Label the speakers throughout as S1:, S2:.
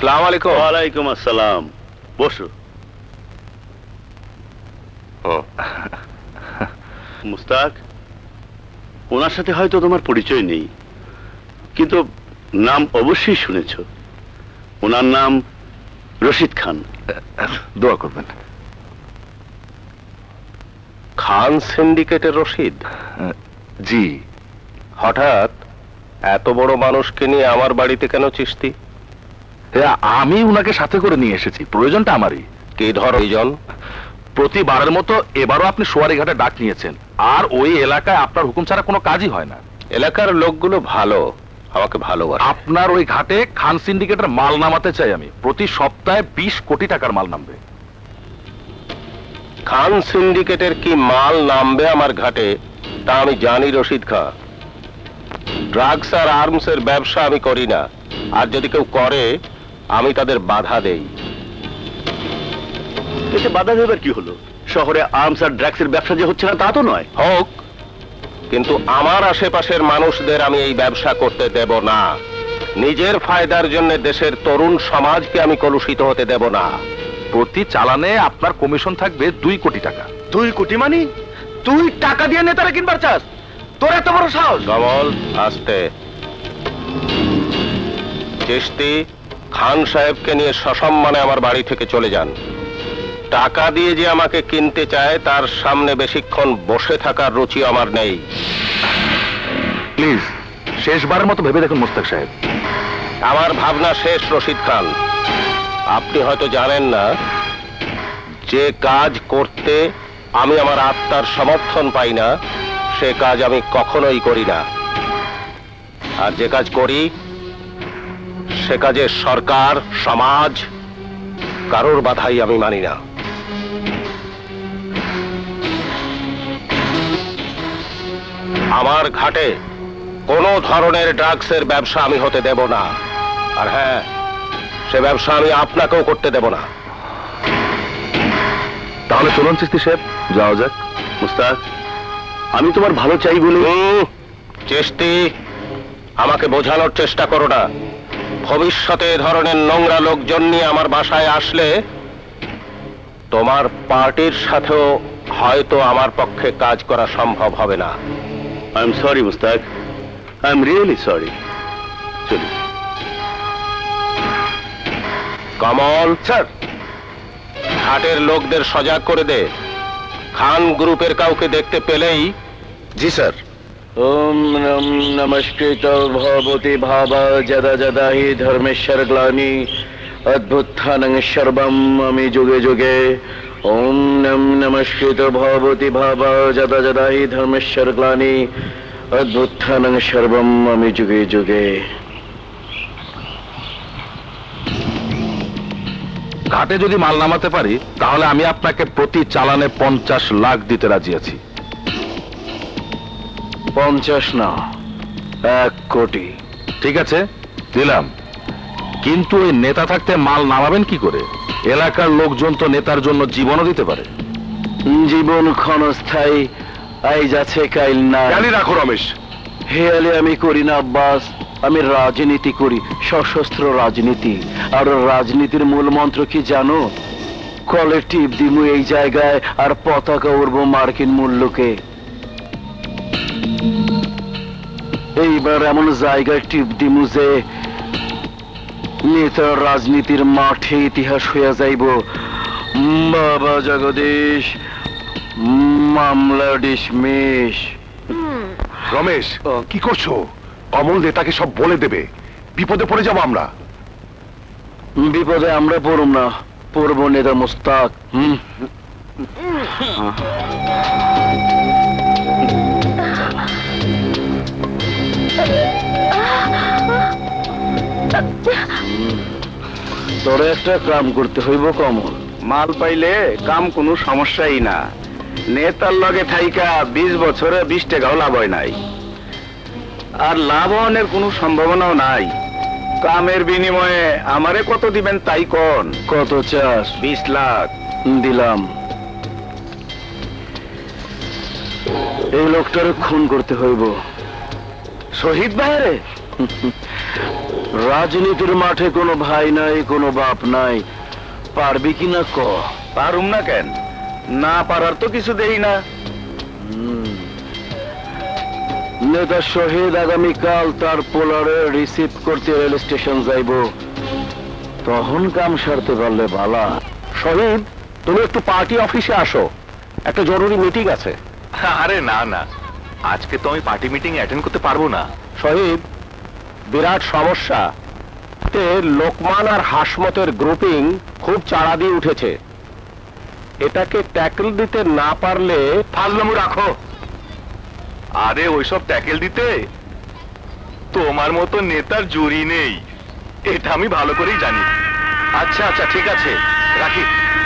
S1: আসসালামু আলাইকুম।
S2: ওয়ালাইকুম আসসালাম। বসো। মুস্তাক, ওনার সাথে হয়তো তোমার পরিচয় নেই, কিন্তু নাম অবশ্যই শুনেছ। ওনার নাম রশিদ খান।
S1: দোয়া করবেন। খান সিন্ডিকেটের রশিদ? জি। হঠাৎ এত বড় মানুষকে নিয়ে আমার বাড়িতে কেন চিস্তি? আমি উনাকে সাথে করে নিয়ে এসেছি, প্রয়োজনটা আমারই। কি ধর প্রয়োজন? প্রতিবারের মতো এবারও আপনি সোয়ারিঘাটে ডাক নিয়েছেন, আর ওই এলাকায় আপনার হুকুম ছাড়া কোনো কাজই হয় না। এলাকার লোকগুলো ভালো, আমাকে ভালোবাসে। আপনার ওই ঘাটে খান সিন্ডিকেটের মাল নামাতে চাই আমি। প্রতি সপ্তাহে 20 কোটি টাকার মাল নামবে। খান সিন্ডিকেটের কি মাল নামবে আমার ঘাটে তা আমি জানি রশিদ খাঁ। ড্রাগস আর আর্মস এর ব্যবসা আমি করি না, আর যদি কেউ করে আমি তাদের বাধা দেই।
S2: এতে বাধা দেবার কি হলো? শহরে আর্মস আর ড্রাগসের ব্যবসা যে হচ্ছে না তা তো নয়।
S1: হোক, কিন্তু আমার আশেপাশের মানুষদের আমি এই ব্যবসা করতে দেব না। নিজের ফায়দার জন্য দেশের তরুণ সমাজকে আমি কলুষিত হতে দেব না। প্রতি চালানে আপনার কমিশন থাকবে 2 কোটি টাকা।
S2: 2 কোটি মানে? তুই টাকা দিয়ে নেতারা কিনবার চাস? তোর এত বড় সাহস?
S1: কমল, আস্তে। চিশতি, খান সাহেবকে নিয়ে সসম্মানে আমার বাড়ি থেকে চলে যান। টাকা দিয়ে যে আমাকে কিনতে চায় তার সামনে বেশিক্ষণ বসে থাকার রুচি আমার নেই। প্লিজ, শেষবারের মতো ভেবে দেখুন মুস্তাক সাহেব। আমার ভাবনা শেষ রশিদ খান। আপনি হয়তো জানেন না, যে কাজ করতে আমি আমার আত্মার সমর্থন পাই না সে কাজ আমি কখনোই করি না, আর যে কাজ করি সে কাজে সরকার, সমাজ, কারোর বাধাই আমি মানি না। আমার ঘাটে কোনো ধরনের ড্রাগসের ব্যবসা আমি হতে দেব না, আর হ্যাঁ, সে ব্যবসা আমি আপনাকেও করতে দেব না। তাহলে চলুন চিশতি সাহেব, যাওয়া যাক।
S2: মুস্তাক, আমি তোমার ভালো চাই বলে।
S1: চিশতি, আমাকে বোঝানোর চেষ্টা করো না। ভবিষ্যতে এ ধরনের নোংরা লোকজন নিয়ে আমার বাসায় আসলে তোমার পার্টির সাথেও হয়তো আমার পক্ষে কাজ করা সম্ভব হবে না।
S2: I am sorry Mushtaq, I am really sorry. চলি।
S1: কমল স্যার, ঘাটের লোকদের সজাগ করে দে। খান গ্রুপের কাউকে দেখতে পেলেই। জি স্যার।
S2: ওম নমস্কৃত ভবতি ভাবা যদা যদা হি ধর্মেশ্বর গ্লানি অদ্ভুত্থানং সর্বম আমি যুগে যুগে। ওম নমস্কৃত ভবতি ভাবা যদা যদা হি ধর্মেশ্বর গ্লানি অদ্ভুত্থানং সর্বম আমি যুগে যুগে।
S1: ঘাটে যদি মাল নামাতে পারি তাহলে আমি আপনাকে প্রতি চালানে 50 লাখ দিতে রাজি আছি।
S2: 50 না, 1 কোটি।
S1: ঠিক আছে, দিলাম। কিন্তু ওই নেতা থাকতে মাল নামাবেন কি করে? এলাকার লোকজন তো নেতার জন্য জীবনও দিতে পারে।
S2: জীবন ক্ষণস্থায়ী, আই যাচ্ছে কাইল না।
S1: জানি রাখো রমেশ।
S2: হেয়ালে আমি করি না আব্বাস, আমি রাজনীতি করি, সশস্ত্র রাজনীতি। আর রাজনীতির মূল মন্ত্র কি জানো? কলেকটিভ দিমু এই জায়গায়, আর পতাকা উড়বো মার্কিন মূল্যকে। এইবার এমন জায়গায় টিপ দিমু যে নেতার রাজনীতির মাঠে ইতিহাস হইয়া যাইব। বাবা জগদীশ, মামলা ডিসমিস।
S1: রমেশ, কি করছো? অমল নেতাকে সব বলে দেবে, বিপদে পড়ে যাবো আমরা।
S2: বিপদে আমরা পড়ব না, পড়ব নেতা মুস্তাক। তোরে একটা কাম করতে হইব কমল।
S3: মাল পাইলে কাম কোনো সমস্যাই না। নেতার লগে থাইকা 20 বছরে 20 টাকাও লাভ হয় নাই, আর লাভ হওয়ার কোনো সম্ভাবনাও নাই। কামের বিনিময়ে আমারে কত দিবেন তাই কোন?
S2: কত চাস?
S3: 20 লাখ
S2: দিলাম। এই লোকটারে খুন করতে হইব।
S3: শহীদ ভাইরে
S2: রাজনীতির মাঠে কোনো ভাই নাই, কোনো বাপ নাই, পারবি কি না ক?
S3: পারুম না কেন? না পারার তো কিছু দেই না।
S2: নেতা শহীদ আগামীকাল তার পোলারে রিসিভ করতে রেল স্টেশন যাইব, তখন কাম সারতে পারলে ভালা।
S1: শহীদ, তুমি একটু পার্টি অফিসে আসো, একটা জরুরি মিটিং আছে।
S4: আরে না না, আজকে তো আমি পার্টি মিটিং অ্যাটেন্ড করতে পারবো না।
S1: শহীদ, বিরাট সমস্যা। তে লোকমান আর হাসমতের গ্রুপিং খুব চাড়া দিয়ে উঠেছে। এটাকে ট্যাকল দিতে না পারলে
S4: ফাজলামু রাখো। আরে ওইসব ট্যাকেল দিতে তোমার মতো নেতার জুরি নেই, এটা আমি ভালো করেই জানি। আচ্ছা আচ্ছা, ঠিক আছে, রাখি।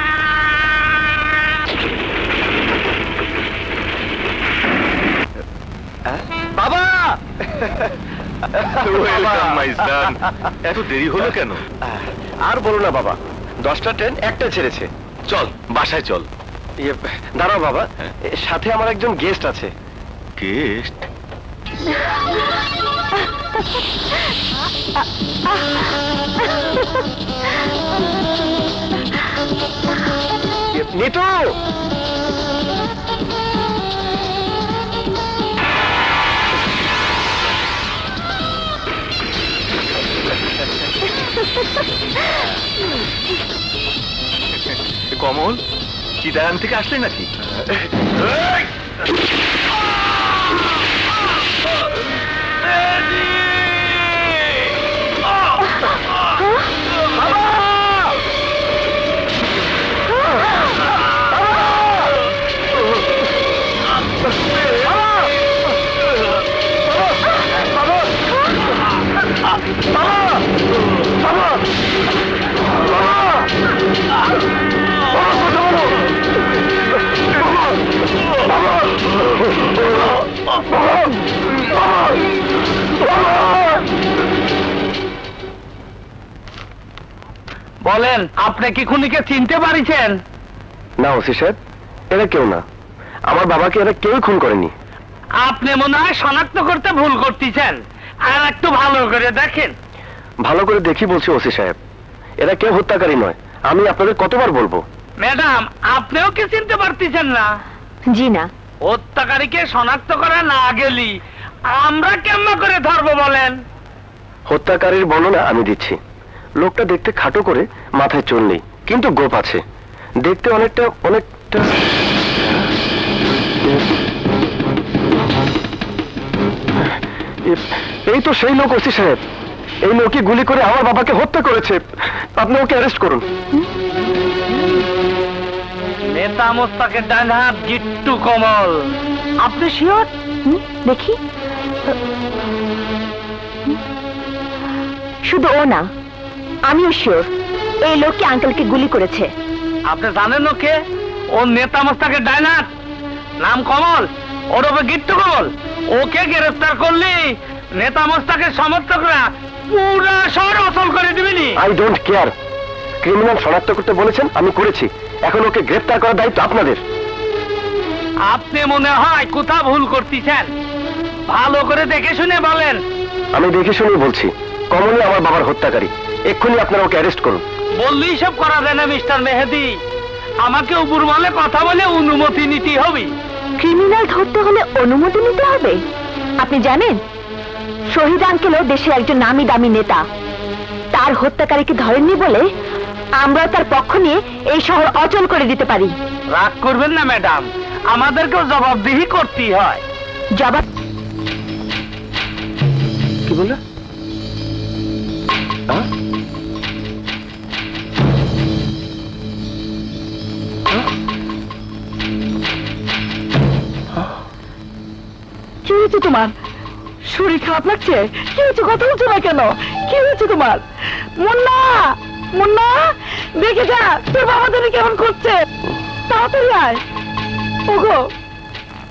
S3: বাবা!
S4: Welcome my son. এত দেরি হলো কেন?
S1: আর বলো না বাবা, 10টা ট্রেন একটা ছেড়েছে।
S4: চল বাসায় চল।
S1: দাঁড়াও বাবা, সাথে আমার একজন গেস্ট আছে।
S4: গেস্ট?
S1: নিতু!
S4: কমল, চিটাগাং থেকে আসলে নাকি?
S3: বলেন, আপনি কি খুনিকে চিনতে পারিছেন?
S1: না ওসি সাহেব, এরা কেউ না। আমার বাবাকে এরা কেউ খুন করেনি।
S3: আপনি মনে হয় শনাক্ত করতে ভুল করতেছেন। আর একটু ভালো করে দেখেন।
S1: ভালো করে দেখি বলছি ওসি সাহেব, এরা কেউ হত্যাকারী নয়। আমি আপনাদের কতবার বলবো?
S3: ম্যাডাম, আপনিও কি চিনতে পারতেছেন না?
S5: জি না।
S3: হত্যাকারীকে শনাক্ত করা না গেলি আমরা কেমন করে ধরবো বলেন?
S1: হত্যাকারীর বর্ণনা আমি দিচ্ছি। লোকটা দেখতে খাটো করে, মাথায় চুল নেই, কিন্তু গোপ আছে। দেখতে অনেকটা এই তো সেই লোক ওসি সাহেব। এই লোকই গুলি করে আমার বাবাকে হত্যা করেছে। আপনি ওকে অ্যারেস্ট করুন।
S3: নেতা মোস্তাকের ডান হাত জিট্টু কমল।
S5: আপনি শিওর? দেখি। শুধু ও না, আমিও শিওর এই লোকটি আঙ্কেলকে গুলি করেছে।
S3: আপনি জানেন ও কে? ও নেতা মোস্তাকের ডান হাত, নাম কমল, ওরফে গিট্টু কমল। ওকে গ্রেফতার করলি নেতা মোস্তাকের সমর্থকরা পুরা শহর অচল করে দিবেনি।
S1: I don't care. ক্রিমিনাল শনাক্ত করতে বলেছেন, আমি করেছি। এখন ওকে গ্রেফতার করার দায়িত্ব আপনাদের।
S3: আপনি মনে হয় কোথা ভুল করতেছেন। ভালো করে দেখে শুনে বলেন।
S1: আমি দেখে শুনেই বলছি, কমলই আমার বাবার হত্যাকারী। এক্ষুনি আপনারা ওকে অ্যারেস্ট করুন।
S3: বললেই সব করা যায় না মিস্টার মেহেদি। আমাকে উপর বলে কথা বলে অনুমতি নিতে হবে।
S5: ক্রিমিনাল ধরতে হলে অনুমতি নিতে হবে? আপনি জানেন, শহীদ আঙ্কেলও দেশের একজন নামি দামি নেতা। তার হত্যাকারীকে ধরেননি বলে আমরা তার পক্ষ নিয়ে এই শহর অচল করে দিতে পারি।
S3: রাগ করবেন না ম্যাডাম, আমাদেরকেও জবাবদিহি করতেই হয়।
S5: জবাব
S1: কি বললে?
S5: কি হয়েছে তোমার? শরীর খারাপ লাগছে? কি হয়েছে? কথা বলছো না কেন? কি হয়েছে তোমার? মুন্না, মুন্না, দেখে যা তোর বাবা তোরে কেমন করছে। তাড়াতাড়ি আয়। ওগো,